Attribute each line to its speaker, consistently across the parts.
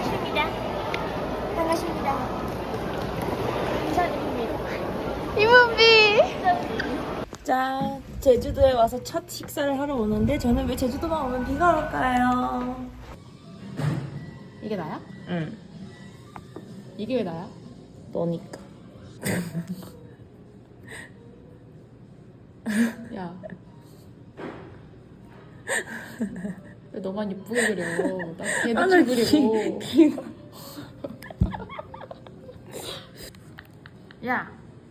Speaker 1: 반갑습니다. 반갑습니다. 인사드립니다. 이문비. 자, 제주도에 와서 첫 식사를 하러 오는데 저는 왜 제주도만 오면 비가 올까요?
Speaker 2: 이게 나야?
Speaker 1: 응.
Speaker 2: 이게 왜 나야?
Speaker 1: 너니까.
Speaker 2: 야. 왜 너만 이쁘게 그려? 나 개대충 그리고. 야.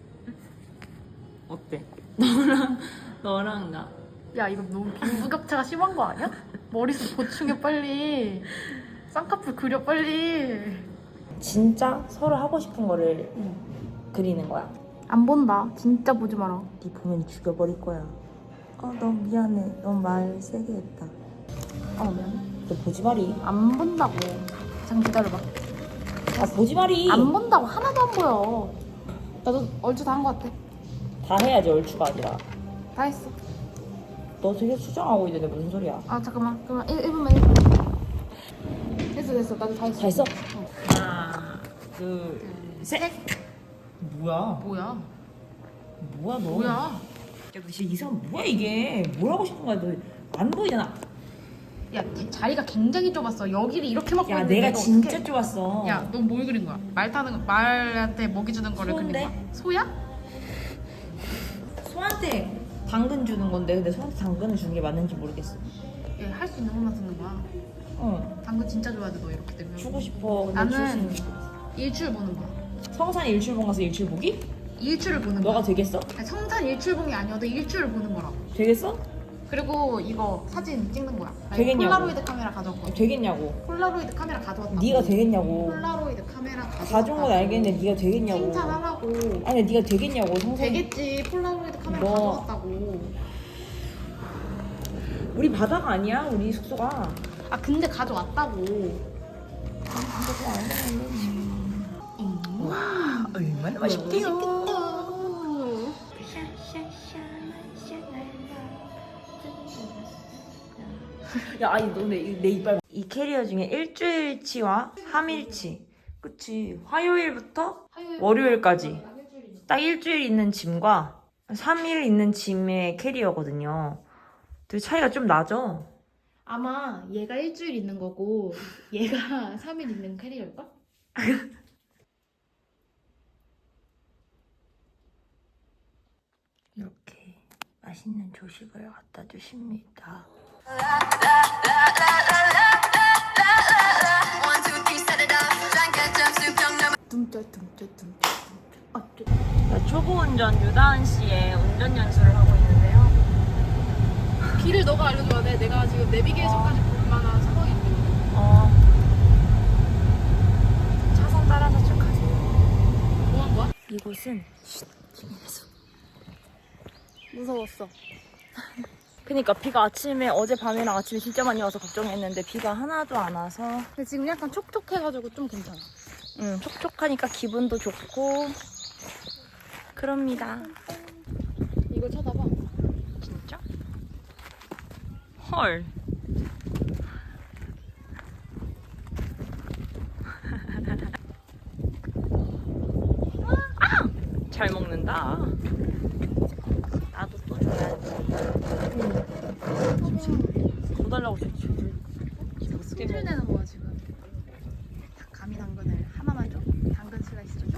Speaker 1: 어때? 너랑 나.
Speaker 2: 야, 이거 너무 빈부격차가 심한 거 아니야? 머리숱 보충해 빨리. 쌍꺼풀 그려 빨리.
Speaker 1: 진짜 서로 하고 싶은 거를 그리는 거야.
Speaker 2: 안 본다. 진짜 보지 마라.
Speaker 1: 네 보면 죽여버릴 거야. 너무 미안해. 너무 말 세게 했다.
Speaker 2: 미안해.
Speaker 1: 너 보지 마리.
Speaker 2: 안 본다고. 잠깐 기다려봐.
Speaker 1: 보지 마리.
Speaker 2: 안 본다고. 하나도 안 보여. 나도 얼추 다 한 거 같아.
Speaker 1: 다 해야지 얼추가 아니라.
Speaker 2: 다 했어.
Speaker 1: 너 되게 수정하고 있는데 무슨 소리야?
Speaker 2: 잠깐만. 그러면 1분만 1분. 됐어. 나도 다 했어.
Speaker 1: 다 했어? 하나, 둘, 셋. 뭐야?
Speaker 2: 뭐야?
Speaker 1: 뭐야 너?
Speaker 2: 뭐야?
Speaker 1: 야, 너 진짜 이 사람 뭐야 이게? 뭘 하고 싶은 거야? 너 안 보이잖아.
Speaker 2: 야, 자리가 굉장히 좁았어. 여기를 이렇게 막고
Speaker 1: 야,
Speaker 2: 있는데
Speaker 1: 내가
Speaker 2: 너
Speaker 1: 진짜
Speaker 2: 어떡해?
Speaker 1: 좋았어.
Speaker 2: 야, 너 뭘 그린 거야? 말한테 먹이 주는 거를 그린
Speaker 1: 소인데?
Speaker 2: 거야? 소야?
Speaker 1: 소한테 당근 주는 건데 근데 소한테 당근을 주는 게 맞는지 모르겠어.
Speaker 2: 얘 할 수 있는 것만 쓰는 거야. 당근 진짜 좋아하지 너 이렇게 되면.
Speaker 1: 주고 싶어. 근데
Speaker 2: 나는
Speaker 1: 줄 수-
Speaker 2: 일출 보는 거야.
Speaker 1: 성산 일출봉 가서 일출 보기?
Speaker 2: 일출을 보는
Speaker 1: 너가
Speaker 2: 거야.
Speaker 1: 되겠어?
Speaker 2: 아니, 성산 일출봉이 아니어도 일출을 보는 거라고.
Speaker 1: 되겠어?
Speaker 2: 그리고 이거 사진 찍는 거야. 나 이거
Speaker 1: 되겠냐고.
Speaker 2: 폴라로이드 카메라 가져왔거든.
Speaker 1: 되겠냐고.
Speaker 2: 폴라로이드 카메라 가져왔다.
Speaker 1: 네가 되겠냐고.
Speaker 2: 폴라로이드 카메라 가져왔다.
Speaker 1: 가져온 건 알겠는데 네가 되겠냐고.
Speaker 2: 칭찬하라고.
Speaker 1: 아니 네가 되겠냐고. 성산.
Speaker 2: 되겠지. 폴라로이드 카메라
Speaker 1: 너.
Speaker 2: 가져왔다고.
Speaker 1: 우리 바다가 아니야. 우리 숙소가.
Speaker 2: 근데 가져왔다고.
Speaker 1: 와, 얼마나 맛있게요. 야, 아니 너내 이빨. 이 캐리어 중에 일주일치와 3일치. 그치. 화요일부터 월요일까지 딱 일주일 있는 짐과 3일 있는 짐의 캐리어거든요. 되게 차이가 좀 나죠?
Speaker 2: 아마 얘가 일주일 있는 거고 얘가 3일 있는 캐리어일걸?
Speaker 1: 이렇게 맛있는 조식을 갖다 주십니다. 초보 운전 유다은 씨의 운전 연수를 하고 있는데요.
Speaker 2: 길을 너가 알려줘야 돼. 내가 지금 내비게이션까지 볼 만한 상황이 있거든.
Speaker 1: 차선 따라서 쭉 가세요.
Speaker 2: 뭐 한 거야?
Speaker 1: 이곳은 김인수.
Speaker 2: 무서웠어.
Speaker 1: 그니까 비가 어젯밤이랑 아침에 진짜 많이 와서 걱정했는데 비가 하나도 안 와서
Speaker 2: 근데 지금 약간 촉촉해가지고 좀 괜찮아.
Speaker 1: 촉촉하니까 기분도 좋고 그럽니다.
Speaker 2: 이걸 쳐다봐.
Speaker 1: 진짜? 헐. 잘 먹는다. 나도 또 줘야지. 더 달라고 줬지.
Speaker 2: 손질 내는 거야 지금. 감이 당근을 하나만 줘. 당근 슬라이스 좀 줘.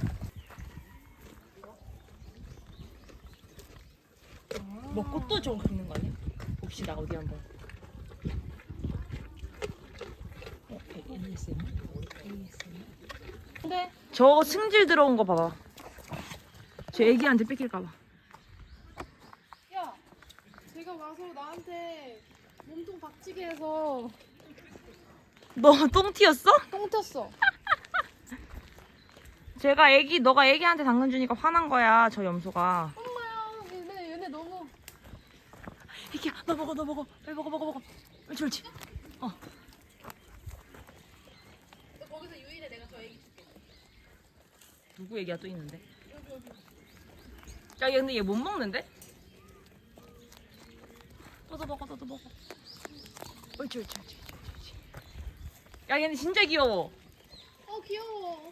Speaker 1: 먹고 또 저거 긁는 거 아니야? 봅시다 어디 한번. ASMR?
Speaker 2: 근데
Speaker 1: 저 승질 들어온 거 봐봐. 저 애기한테 뺏길까봐.
Speaker 2: 야, 제가 와서 나한테 몸통 박치게 해서
Speaker 1: 너 똥 튀었어?
Speaker 2: 똥 튀었어.
Speaker 1: 너가 애기한테 당근 주니까 화난 거야, 저 염소가.
Speaker 2: 엄마야, 얘네 너무.
Speaker 1: 애기야, 너 먹어. 빨리 먹어. 옳지.
Speaker 2: 너 거기서 유일해. 내가 저 애기 줄게.
Speaker 1: 누구 애기야 또 있는데? 야, 얘 근데 얘 못 먹는데? 너도 먹어. 옳지. 야, 얘는 진짜 귀여워.
Speaker 2: 귀여워.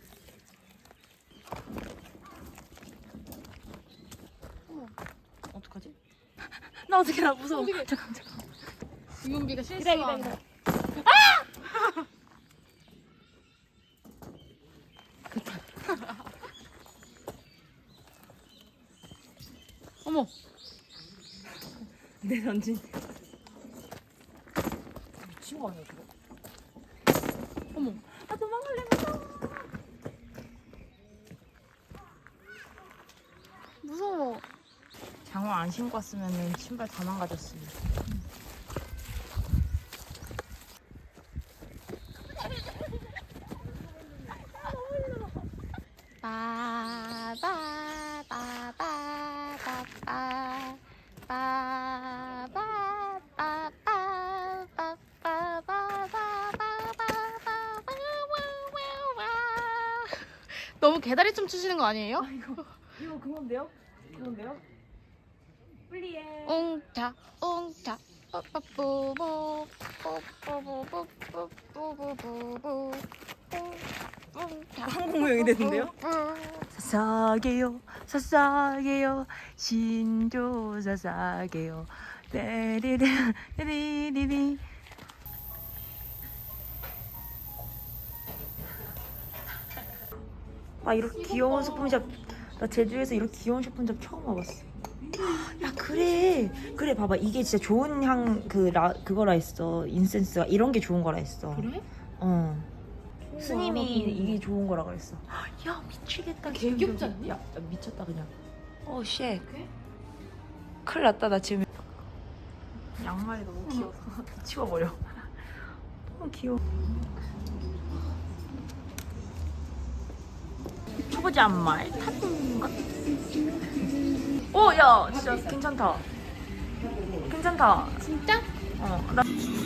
Speaker 1: 어떡하지? 나 어떻게 나 무서워.
Speaker 2: 어떡해.
Speaker 1: 잠깐.
Speaker 2: 유은비가 실수한. 어머.
Speaker 1: 내 던진. 미친 거 아니야 저거?
Speaker 2: 어머.
Speaker 1: 아 도망갈래 무서워.
Speaker 2: 무서워.
Speaker 1: 장화 안 신고 왔으면 신발 다 망가졌어.
Speaker 2: 너무 개다리 춤 추시는 거 아니에요?
Speaker 1: 이거 그건데요? 그건데요? 플리에.
Speaker 2: 웅차 웅차 뽀뽀뽀뽀 뽀뽀뽀뽀뽀뽀뽀뽀뽀 웅차
Speaker 1: 한국무용이 됐는데요? 사사게요 사사게요 신조 사사게요 떼리리 떼리리리. 아 이렇게 귀여운 소품샵 나 제주에서 이렇게 귀여운 소품샵 처음 와봤어. 야 그래 봐봐 이게 진짜 좋은 향 그거라 했어. 인센스가 이런 게 좋은 거라 했어.
Speaker 2: 그래?
Speaker 1: 어 스님이 이게 좋은 거라 그랬어. 야 미치겠다.
Speaker 2: 개 귀엽지 않니?
Speaker 1: 야 미쳤다 그냥. 오 쉣. 큰일 났다 나 지금. 양말이 너무 귀여워. 치워버려. 너무 귀여워. 초보자 양말 탔던가? 오, 야, 진짜 괜찮다. 괜찮다.
Speaker 2: 진짜?
Speaker 1: 나.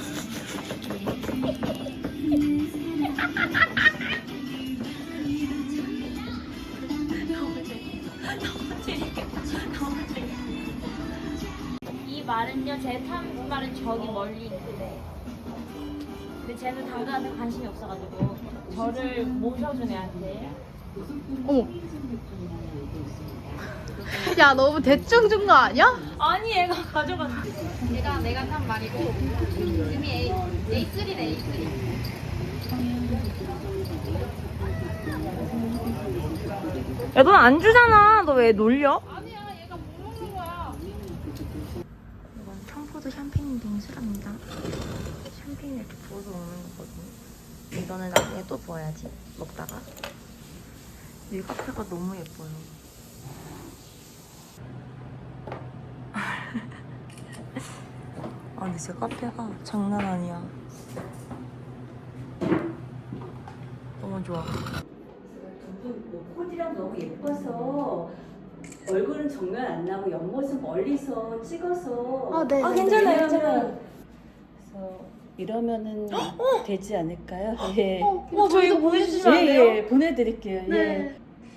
Speaker 3: 이 말은요, 제 탄 말은 저기 멀리 있는데, 근데 쟤는 당근한테 관심이 없어가지고 저를 모셔준 애한테.
Speaker 2: 어머. 야 너무 대충 준 거 아니야?
Speaker 3: 아니 얘가 가져갔어.
Speaker 2: 내가 탄 말이고 이미 A3네 A3.
Speaker 1: 야, 넌 안 주잖아. 너 왜 놀려?
Speaker 2: 아니야 얘가 모르는 거야.
Speaker 1: 이건 청포도 샴페인 빙수랍니다. 샴페인 이렇게 부어서 먹는 거거든요. 이거는 나중에 또 부어야지. 먹다가. 이 카페가 너무 예뻐요. 아 근데 진짜 카페가 장난 아니야. 너무 좋아.
Speaker 4: 코디랑 너무 예뻐서 얼굴은 정면 안 나고 옆모습 멀리서 찍어서
Speaker 2: 네.
Speaker 1: 괜찮아요, 괜찮아요.
Speaker 4: 그래서 이러면은 되지 않을까요? 예.
Speaker 1: 저 이거 보내주시면 안 돼요?
Speaker 4: 예, 보내드릴게요.
Speaker 2: 네.
Speaker 4: 예.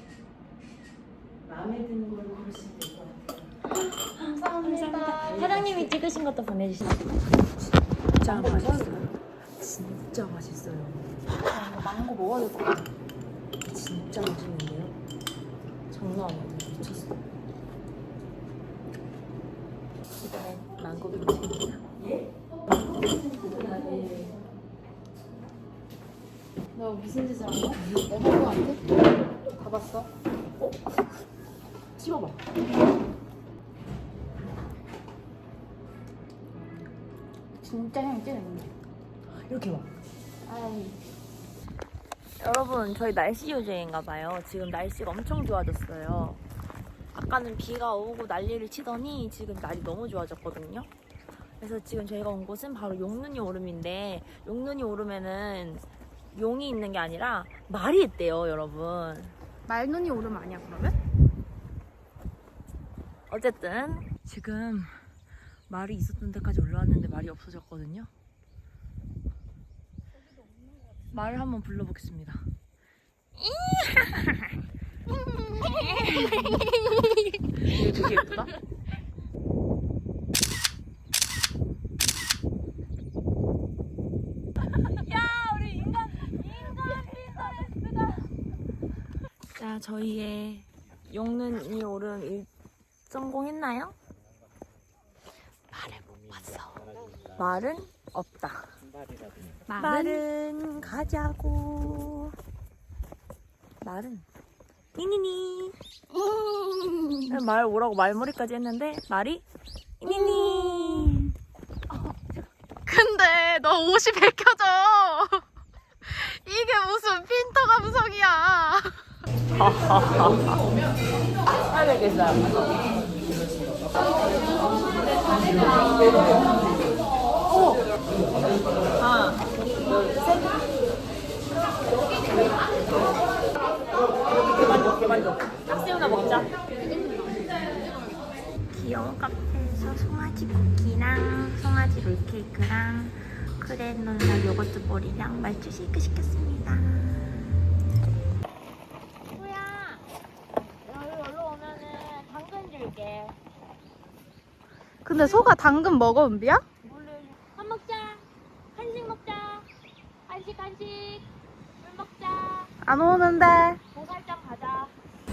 Speaker 4: 마음에 드는 걸 고르시면 될 것 같아요.
Speaker 2: 감사합니다.
Speaker 1: 사장님이 찍으신 것도 보내주시면 진짜 맛있어요. 진짜 맛있어요.
Speaker 2: 이거 망고 먹어야 될 것 같아.
Speaker 1: 진짜 맛있는데요? 장난 아니에요. 미쳤어. 이번엔 망고 빙수입니다.
Speaker 2: 너 무슨 짓을 한 거야? 내 친구한테? 가봤어?
Speaker 1: 씹어봐.
Speaker 2: 진짜 향이 진했네.
Speaker 1: 이렇게 봐.
Speaker 2: 아이.
Speaker 1: 여러분 저희 날씨 요정인가 봐요. 지금 날씨가 엄청 좋아졌어요. 아까는 비가 오고 난리를 치더니 지금 날이 너무 좋아졌거든요. 그래서 지금 저희가 온 곳은 바로 용눈이 오름인데, 용눈이 오름에는 용이 있는 게 아니라 말이 있대요, 여러분.
Speaker 2: 말눈이 오름 아니야 그러면?
Speaker 1: 어쨌든 지금 말이 있었던 데까지 올라왔는데 말이 없어졌거든요. 말을 한번 불러보겠습니다. 이게 되게 예쁘다. 야, 우리 인간 필터에서 자, 저희의 용눈이 오름 성공했나요? 말을 못 봤어. 말은 없다. 말은 가자고. 말은 니니니. 말 오라고 말머리까지 했는데 말이 니니니.
Speaker 2: 근데 너 옷이 벗겨져. 이게 무슨 핀터 감성이야.
Speaker 1: 알겠어요. 하나, 둘, 셋. 개만족. 딱새우나 먹자. 귀여운 카페에서 송아지 쿠키랑 송아지 롤케이크랑 크레놀라 요거트 볼이랑 말주 쉐이크 시켰습니다.
Speaker 3: 소야, 여기 올라 오면은 당근 줄게.
Speaker 2: 근데 소가 당근 먹어, 은비야?
Speaker 3: 밥 먹자. 한식 먹자. 한식. 물 먹자.
Speaker 2: 안 오는데.
Speaker 3: 보살장 가자.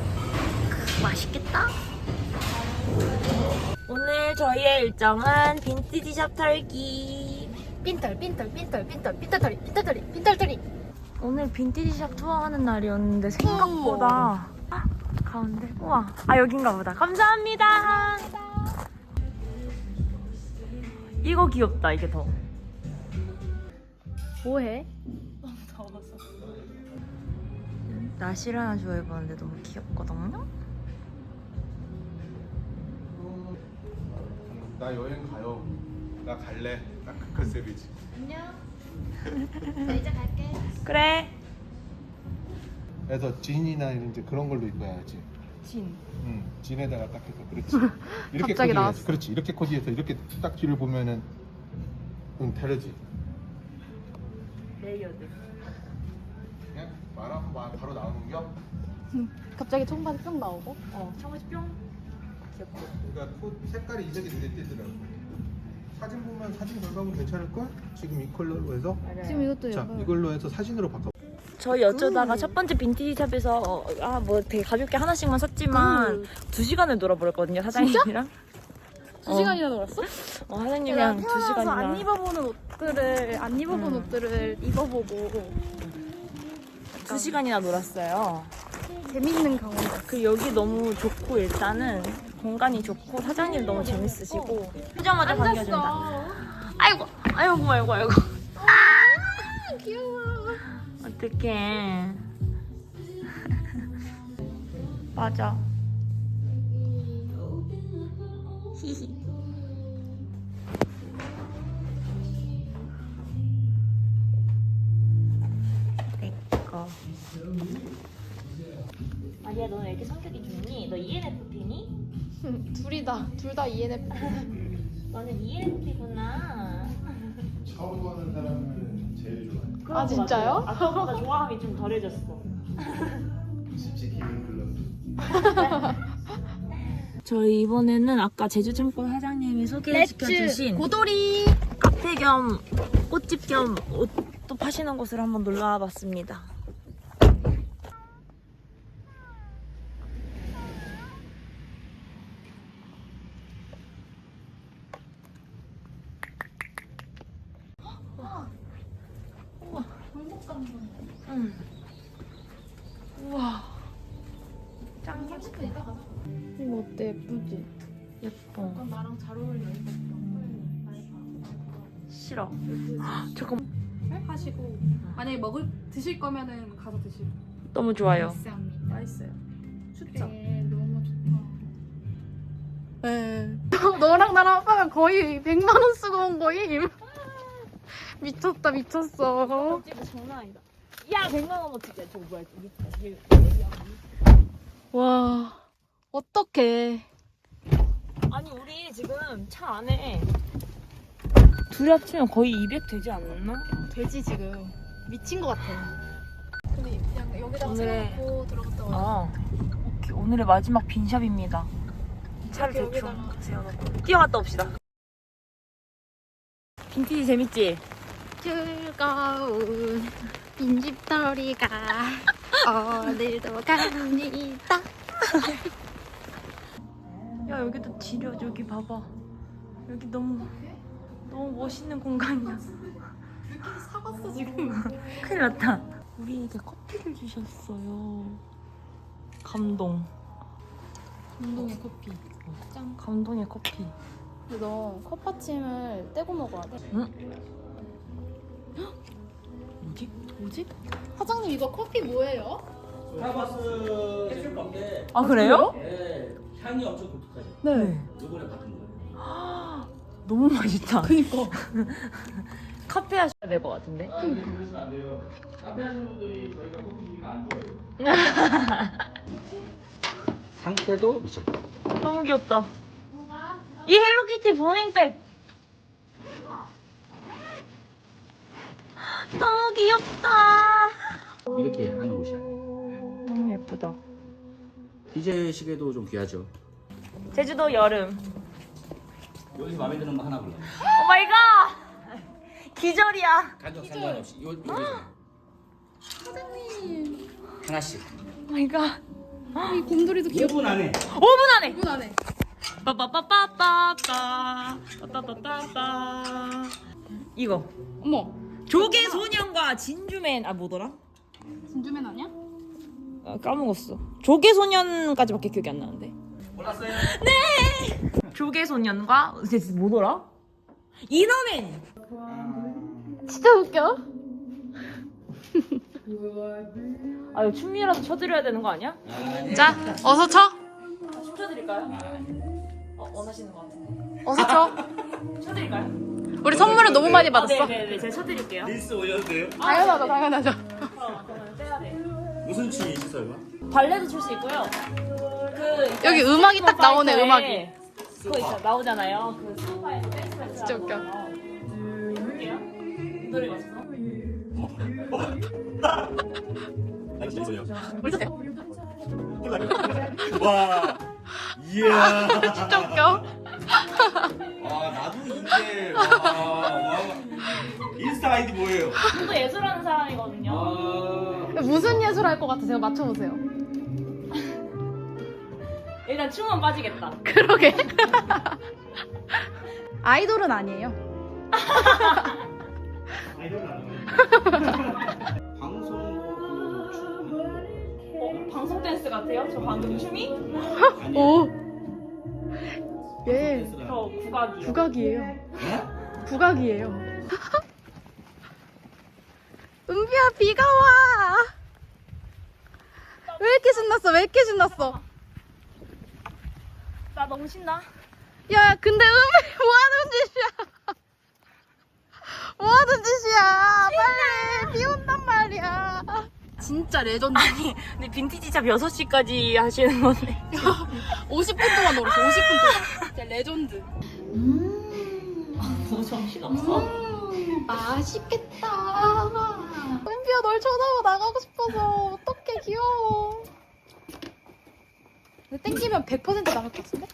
Speaker 1: 맛있겠다. 오늘 저희의 일정은 빈티지 샵 털기.
Speaker 2: 빈털터리.
Speaker 1: 오늘 빈티지 샵 투어하는 날이었는데 생각보다 가운데 우와 여긴가 보다. 감사합니다. 이거 귀엽다. 이게 더
Speaker 2: 뭐해?
Speaker 1: 나시를 하나 좋아해보는데 너무 귀엽거든요.
Speaker 5: 나 여행 가요. 나 갈래. 딱 그 컨셉이지.
Speaker 1: 그래.
Speaker 5: 그래서 진이나 이제 그런 걸로 입어야지.
Speaker 1: 진.
Speaker 5: 응. 진에다가 딱 해서 그렇지. 이렇게
Speaker 2: 갑자기
Speaker 5: 코디해야지.
Speaker 2: 나왔어.
Speaker 5: 그렇지. 이렇게 코디해서 이렇게 딱 뒤를 보면은 다르지.
Speaker 1: 레이어드.
Speaker 5: 그냥 말하면 바로 나오는 겨.
Speaker 2: 갑자기 청바지 뿅 나오고.
Speaker 1: 청바지 뿅. 귀엽고.
Speaker 5: 그러니까 코 색깔이 이색이 눈에 띄더라고. 사진 보면 사진 결과물 괜찮을 걸? 지금 이 컬러로 해서.
Speaker 2: 지금 이것도
Speaker 5: 자,
Speaker 2: 약간
Speaker 5: 이걸로 해서 사진으로 바꿔.
Speaker 1: 저희 어쩌다가 첫 번째 빈티지 샵에서 뭐 되게 가볍게 하나씩만 샀지만 2시간을 놀아버렸거든요, 사장님이랑.
Speaker 2: 2시간이나 놀았어?
Speaker 1: 사장님이랑 2시간이나.
Speaker 2: 안 입어본 옷들을 입어보고
Speaker 1: 2시간이나 놀았어요.
Speaker 2: 재밌는 경험.
Speaker 1: 여기 너무 좋고 일단은 공간이 좋고 사장님 너무 재밌으시고 보자마자 반겨준다. 아이고.
Speaker 2: 귀여워.
Speaker 1: 어떡해. 맞아. 히히. 내꺼.
Speaker 3: 아니야, 너는 왜 이렇게 성격이 좋니? 너 ENFP니?
Speaker 2: 둘 다 ENFP.
Speaker 3: 너는 ENFP구나.
Speaker 5: 처음 보는 사람을 제일 좋아해.
Speaker 2: 아, 진짜요?
Speaker 3: 아까보다 좋아함이 좀 덜해졌어.
Speaker 5: 솔직히 기분 글렀어.
Speaker 1: 저희 이번에는 아까 제주증권 사장님이 소개시켜주신
Speaker 2: 고돌이.
Speaker 1: 카페 겸 꽃집 겸 옷도 파시는 곳을 한번 놀러 와봤습니다. 우와. 짱
Speaker 2: 이거 어때? 예쁘지?
Speaker 1: 예뻐.
Speaker 2: 나랑 잘 어울려.
Speaker 1: 싫어. 잠깐.
Speaker 2: 하시고 만약에 드실 거면은 가서 드시고.
Speaker 1: 너무 좋아요.
Speaker 2: 맛있어요. 춥죠? 네, 너무 좋다. 네. 너랑 나랑 아빠가 거의 100만 원 쓰고 온 거임. 미쳤다, 미쳤어.
Speaker 3: 진짜 장난 아니다. 야, 100만 원 어떻게? 저거 뭐야? 이게
Speaker 2: 와, 어떡해.
Speaker 1: 아니 우리 지금 차 안에 둘이 합치면 거의 200 되지 않나?
Speaker 2: 돼지 지금 미친 것 같아. 근데 그냥 여기다가
Speaker 1: 오늘의-
Speaker 2: 세워놓고 들어갔다 와.
Speaker 1: 오케이. 오늘의 마지막 빈샵입니다. 차를
Speaker 2: 이렇게
Speaker 1: 대충
Speaker 2: 여기다가.
Speaker 1: 세워놓고 뛰어갔다 옵시다. 빈티지 재밌지?
Speaker 2: 즐거운 빈집털이가 오늘도 갑니다.
Speaker 1: 야 여기도 지려. 여기 봐봐. 여기 너무 멋있는 공간이야.
Speaker 2: 사갔어 지금.
Speaker 1: 큰일 났다. 우리에게 커피를 주셨어요. 감동.
Speaker 2: 감동의 커피.
Speaker 1: 짠. 감동의 커피.
Speaker 2: 근데 너 컵받침을 떼고 먹어야 돼.
Speaker 1: 뭐지?
Speaker 2: 사장님 이거 커피 뭐예요?
Speaker 6: 스타벅스 했을 건데
Speaker 1: 아 그래요?
Speaker 6: 네, 향이 엄청 독특하죠.
Speaker 2: 네.
Speaker 6: 요번에 받은 거예요.
Speaker 1: 너무 맛있다.
Speaker 2: 그니까.
Speaker 1: 카페 하셔야 될 것 같은데.
Speaker 6: 그래서 안 돼요. 카페 하시는 분들이 저희가 커피 드리면 안 좋아해요. 상태도 미쳤다.
Speaker 1: 너무 귀엽다. 이 헬로키티 보냉백. 너무 귀엽다.
Speaker 6: 이렇게 하는 곳이야.
Speaker 1: 너무 예쁘다.
Speaker 6: 디젤 시계도 좀 귀하죠.
Speaker 1: 제주도 여름.
Speaker 6: 여기서 마음에 드는 거 하나 골라.
Speaker 1: 오 마이 갓. 기절이야.
Speaker 6: 가격 상관없이 여기서
Speaker 2: 사장님.
Speaker 6: 하나씩.
Speaker 1: 오 마이 갓.
Speaker 2: 이 곰돌이도 귀엽다.
Speaker 6: 5분 안에
Speaker 1: 5분 안에.
Speaker 2: 5분 안에.
Speaker 1: 빠빠빠빠빠빠. 빠빠빠빠빠. 이거.
Speaker 2: 어머.
Speaker 1: 조개 소년과 진주맨. 아 뭐더라?
Speaker 2: 진주맨 아니야?
Speaker 1: 아, 까먹었어. 조개 소년까지밖에 기억이 안 나는데.
Speaker 6: 몰랐어요?
Speaker 1: 조개 소년과 뭐더라? 이너맨.
Speaker 2: 진짜 웃겨.
Speaker 1: 아 이거 춤이라도 춰드려야 되는 거 아니야?
Speaker 2: 자, 어서 쳐.
Speaker 1: 춤 춰드릴까요? 원하시는 거 같은데.
Speaker 2: 어서 쳐.
Speaker 1: 춰드릴까요?
Speaker 2: 우리 선물을 너무 많이 받았어.
Speaker 1: 네네네, 제가 춰드릴게요.
Speaker 6: 릴스 올려도 돼요?
Speaker 2: 당연하죠, 당연하죠.
Speaker 1: 그러면 떼야 돼.
Speaker 6: 무슨 춤이시 설마?
Speaker 1: 발레도 출 수 있고요. 그
Speaker 2: 여기 음악이 딱 나오네,
Speaker 1: 파이터에
Speaker 2: 음악이.
Speaker 1: 그거 있잖아, 나오잖아요. 그 스포파에서 댄스 패스.
Speaker 2: 진짜 웃겨.
Speaker 1: 볼게요. 이 노래가 있어.
Speaker 6: 아니 재밌어요.
Speaker 2: 보세요.
Speaker 6: 와, 이야.
Speaker 2: 진짜 웃겨.
Speaker 6: 아 나도 이제 와. 인스타 아이디 뭐예요?
Speaker 1: 저도 예술하는 사람이거든요.
Speaker 6: 아,
Speaker 2: 무슨 예술 할 것 같으세요? 맞춰보세요.
Speaker 1: 일단 춤은 빠지겠다.
Speaker 2: 그러게. 아이돌은 아니에요.
Speaker 6: 아이돌 아니에요. 방송 춤.
Speaker 1: 방송 댄스 같아요? 저 방금 춤이?
Speaker 2: 오. 예.
Speaker 1: 저 국악이요.
Speaker 2: 국악이에요. 국악이에요. 은비야, 비가 와. 왜 이렇게 신났어? 왜 이렇게 신났어?
Speaker 1: 나 너무 신나.
Speaker 2: 야, 근데 은비 뭐 하는 짓이야? 뭐 하는 짓이야? 빨리 비 온단 말이야. 진짜 레전드.
Speaker 1: 아니, 근데 빈티지 샵 6시까지 하시는 건데.
Speaker 2: 50분 동안 놀았어. 50분 동안. 진짜 레전드.
Speaker 1: 너 정신없어?
Speaker 2: 맛있겠다. 은비야, 널 쳐다보고 나가고 싶어서. 어떡해, 귀여워. 근데 땡기면 100% 나갈 것 같은데?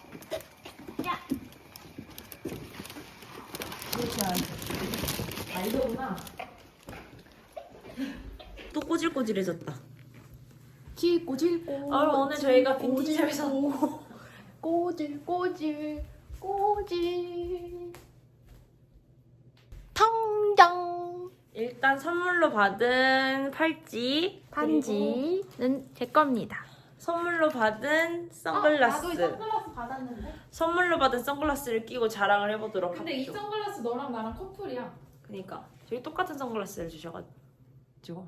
Speaker 1: 아, 이거구나. 또 꼬질꼬질해졌다.
Speaker 2: 질꼬질꼬.
Speaker 1: 오늘 저희가 빈티지 샵에서
Speaker 2: 꼬질꼬질 꼬질. 통장.
Speaker 1: 일단 선물로 받은 팔찌, 반지는 제 겁니다. 선물로 받은 선글라스.
Speaker 2: 나도 이 선글라스 받았는데.
Speaker 1: 선물로 받은 선글라스를 끼고 자랑을 해보도록
Speaker 2: 근데 이
Speaker 1: 합시다.
Speaker 2: 선글라스 너랑 나랑 커플이야.
Speaker 1: 그니까 저희 똑같은 선글라스를 주셔가지고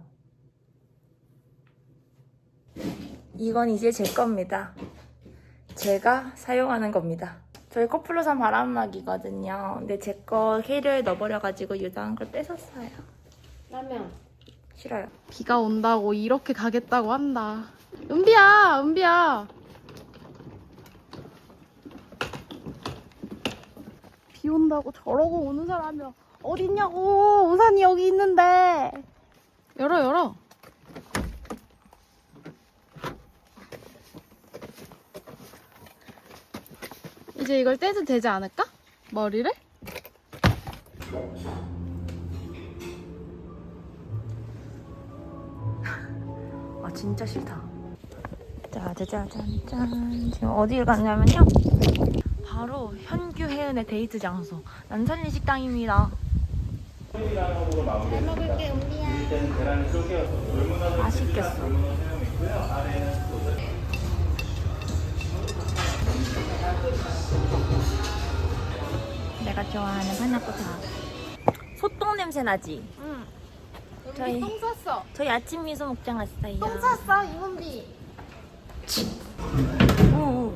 Speaker 1: 이건 이제 제 겁니다. 제가 사용하는 겁니다. 저희 커플로 산 바람막이거든요. 근데 제 거 캐리어에 넣어버려가지고 유다한 걸 뺏었어요.
Speaker 3: 라면.
Speaker 1: 싫어요.
Speaker 2: 비가 온다고 이렇게 가겠다고 한다. 은비야, 은비야. 비 온다고 저러고 오는 사람이 어딨냐고. 우산이 여기 있는데. 열어, 열어. 이제 이걸 떼도 되지 않을까? 머리를?
Speaker 1: 진짜 싫다. 짜자자잔짠. 지금 어디를 갔냐면요. 바로 현규 혜은의 데이트 장소 난산리 식당입니다.
Speaker 2: 잘 먹을게 은비야.
Speaker 1: 맛있겠어. 내가 좋아하는 파나코타. 소똥 냄새 나지?
Speaker 2: 응.
Speaker 1: 저희-
Speaker 2: 은비 똥 쌌어.
Speaker 1: 저희 아침 미소 먹장 왔어요.
Speaker 2: 똥 쌌어 이은비.
Speaker 1: 오.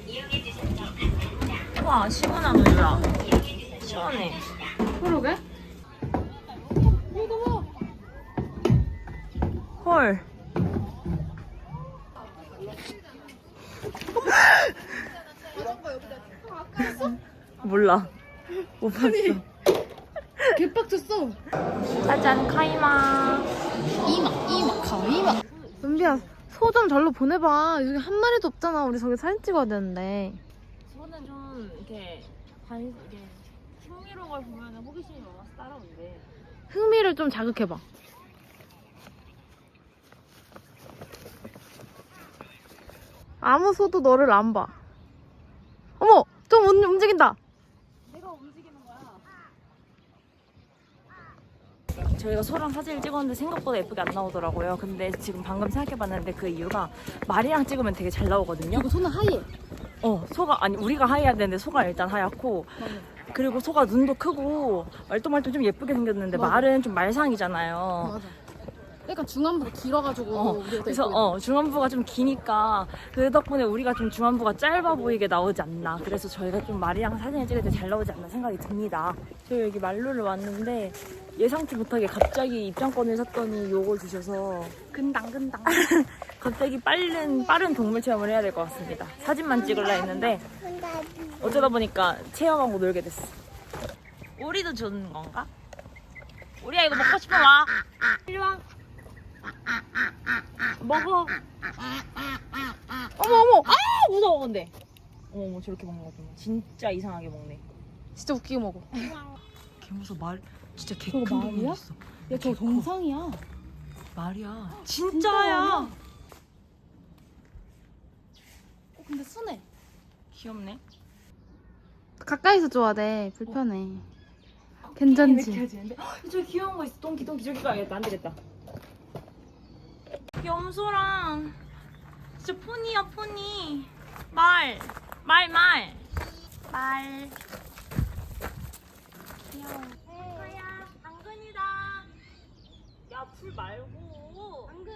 Speaker 1: 와 시원한 우유야. 시원해.
Speaker 2: 그러게? 이거 봐.
Speaker 1: 헐. 몰라. 못 봤어.
Speaker 2: 개빡쳤어.
Speaker 1: 짜잔 카이마.
Speaker 2: 이마 가이마. 은비야 소 좀 절로 보내봐. 여기 한 마리도 없잖아. 우리 저기 사진 찍어야 되는데.
Speaker 3: 저는 좀 이렇게 흥미로운 걸 보면 호기심이 많아서 따라오는데
Speaker 2: 흥미를 좀 자극해봐. 아무 소도 너를 안 봐. 어머, 좀 움직인다.
Speaker 1: 저희가 소랑 사진을 찍었는데 생각보다 예쁘게 안 나오더라고요. 근데 지금 방금 생각해봤는데 그 이유가 말이랑 찍으면 되게 잘 나오거든요.
Speaker 2: 이거 소는 하얘.
Speaker 1: 소가 아니 우리가 하얘야 되는데 소가 일단 하얗고 그리고 소가 눈도 크고 말똥말똥 좀 예쁘게 생겼는데
Speaker 2: 맞아.
Speaker 1: 말은 좀 말상이잖아요.
Speaker 2: 맞아. 약간 중안부가 길어가지고.
Speaker 1: 그래서 중안부가 좀 기니까 그 덕분에 우리가 좀 중안부가 짧아 보이게 나오지 않나. 그래서 저희가 좀 말이랑 사진을 찍을 때 잘 나오지 않나 생각이 듭니다. 저희 여기 말루를 왔는데 예상치 못하게 갑자기 입장권을 샀더니 요걸 주셔서 근당 갑자기 빠른 동물 체험을 해야 될 것 같습니다. 사진만 찍으려 했는데 어쩌다 보니까 체험하고 놀게 됐어. 오리도 주는 건가? 오리야 이거 먹고 싶어 와. 일로 와. 먹어.
Speaker 2: 어머.
Speaker 1: 아 무서워 근데. 어머 저렇게 먹는 거 좀 진짜 이상하게 먹네.
Speaker 2: 진짜 웃기게 먹어.
Speaker 1: 개 무서워. 말 진짜 개
Speaker 2: 저거
Speaker 1: 큰
Speaker 2: 말이야?
Speaker 1: 동물 있어.
Speaker 2: 야, 저 정상이야.
Speaker 1: 말이야. 진짜야.
Speaker 2: 근데 순해.
Speaker 1: 귀엽네.
Speaker 2: 가까이서 줘야 돼. 불편해. 괜찮지?
Speaker 1: 저기 귀여운 거 있어. 똥기 저기 가야겠다. 안 되겠다. 염소랑 진짜 포니야 포니. 말. 귀여워. 하야 당근이다. 야 풀 말고. 당근.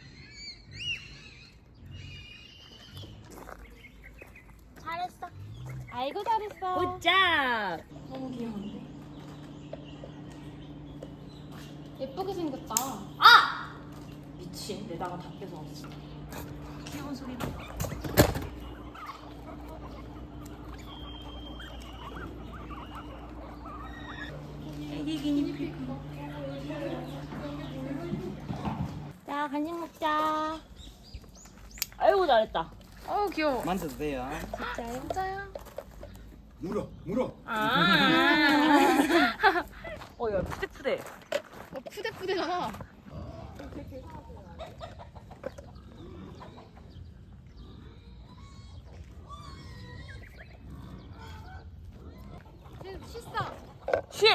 Speaker 3: 잘했어. 아이고 잘했어.
Speaker 1: 굿잡. 너무 귀여운데.
Speaker 2: 예쁘게 생겼다.
Speaker 1: 미친. 내다가 다 뺏어왔어. 귀여운 소리다. 애기 기니피그.
Speaker 3: 자 간식 먹자.
Speaker 1: 아이고 잘했다.
Speaker 2: 어우 귀여워.
Speaker 6: 만져도 돼요.
Speaker 2: 진짜요?
Speaker 5: 물어.
Speaker 1: 야 푸대푸대.
Speaker 2: 푸대푸대잖아. 씻어.
Speaker 1: 쉿.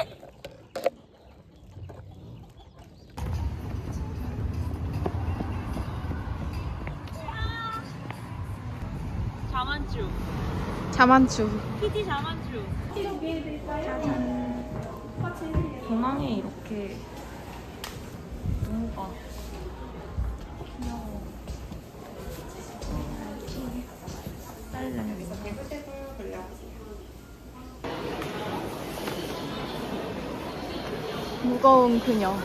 Speaker 2: 자만추.
Speaker 1: PD 자만추. 공항에 이렇게 동호가 귀여워. 딸랑
Speaker 2: 무거운 그녀.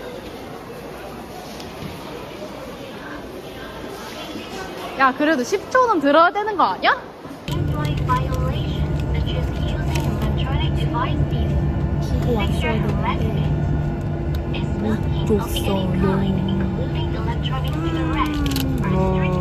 Speaker 2: 야 그래도 10초는 들어야 되는 거 아니야?
Speaker 7: In-flight violation, such as using electronic devices. Sector selected is smoking of any kind, including electronic cigarettes, are strict